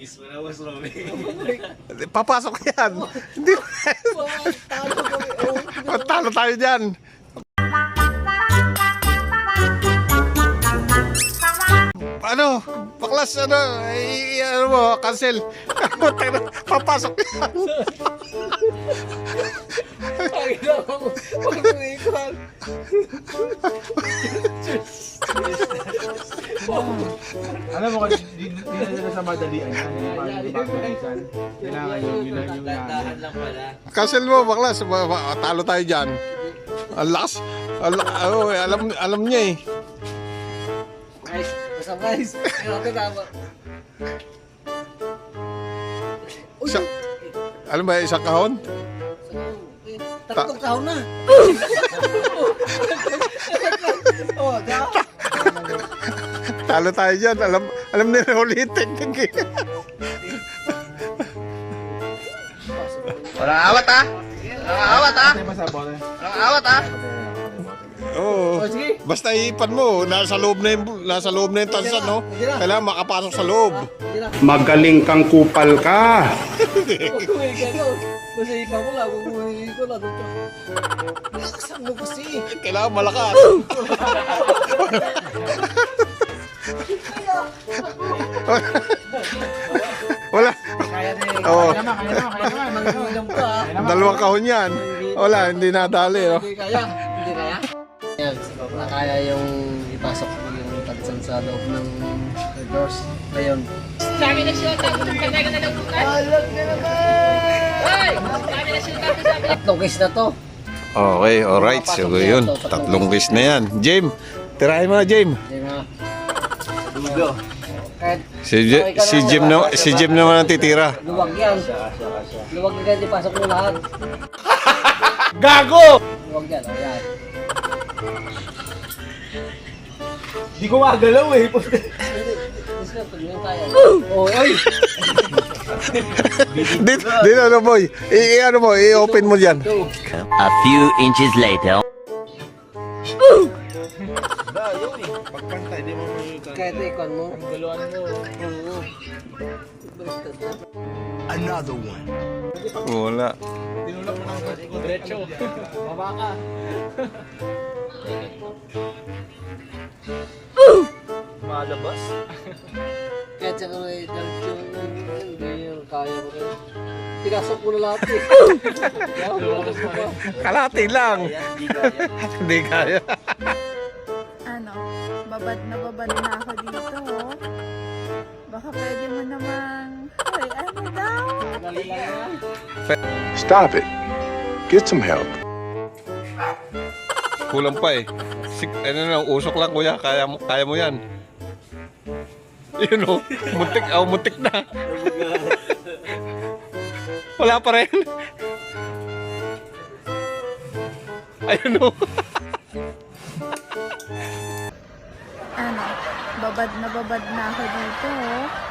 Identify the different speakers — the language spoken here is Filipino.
Speaker 1: Kiss mo na, Boss Romy.
Speaker 2: Papasok yan. Hindi. Talo tayo dyan. Ano? Baklas, ano? Ano mo? Cancel. Papasok yan.
Speaker 3: Alam mo, di na sa madalian yan. Kailangan yun
Speaker 1: Dahan lang pala.
Speaker 2: Cancel mo, baklas. Talo tayo dyan. Ang lakas. Alam niya eh.
Speaker 1: Guys, basta guys. Ito tama.
Speaker 2: Alam ba, isang kahon?
Speaker 1: Tatlong kahon na. Oh,
Speaker 2: Talo tayo dyan. Alam nila ulitin.
Speaker 1: walang awat ah. Walang awat ah. Walang awat ah.
Speaker 2: Oo. Basta ipan mo, nasa loob na yung tansan, no? Kailangan makapasok sa loob.
Speaker 4: Magaling kang kupal ka.
Speaker 1: Basta ipa mo lang, umuwi ko lang. Laksan mo kasi.
Speaker 2: Kailangan malakas. Wala.
Speaker 1: Kaya din.
Speaker 2: Oo.
Speaker 1: Manginom ka ah.
Speaker 2: Dalawang kahon yan. Wala, hindi nadali, no?
Speaker 1: Hindi kaya. Hindi kaya. Yan, na kaya yung ipasok mo yung tansan sa loob ng doors. Ngayon.
Speaker 5: Sabi na siya, tapos ang patay ka na lang bukas.
Speaker 1: Alag na naman!
Speaker 5: Hoy! Sabi na siya, tapos sabi na.
Speaker 1: Tatlong case na to.
Speaker 2: Okay, alright. So, yun. Tatlong case na yan. Jim, tirahin mo na, Jim.
Speaker 1: Hindi nga. Dugo. Kahit
Speaker 2: Si Jim naman ang titira.
Speaker 1: luwag yan. Luwag na ganyan, ipasok mo lahat.
Speaker 2: Gago!
Speaker 1: Luwag yan, o yan.
Speaker 3: Di ko magalaw eh.
Speaker 1: Oh, ay!
Speaker 2: Dito, ano, boy? Ano mo, i-open mo dyan.
Speaker 6: A few inches later.
Speaker 3: Pagpantay, di mo
Speaker 1: Kahit ikon mo.
Speaker 3: galuan mo.
Speaker 1: Oo.
Speaker 4: Another one.
Speaker 2: Wala.
Speaker 3: Tinulak mo ng diretso. Baba ka. Malabas.
Speaker 1: Kahit sa kamay, hindi yung kaya mo rin. Pinasok mo na lahat eh.
Speaker 3: Lumakas pa rin.
Speaker 2: Kalati lang. Hindi kaya.
Speaker 7: Ano, babad na ako dito, oh. Baka pwede mo namang, hoy, ano daw?
Speaker 4: Stop it. Get some help.
Speaker 2: Kulang pa eh. Ano na, usok lang, kuya. Kaya mo yan. Yun o. Muntik na. Wala pa rin. Ayun o.
Speaker 7: Ano, babad na ako dito, oh.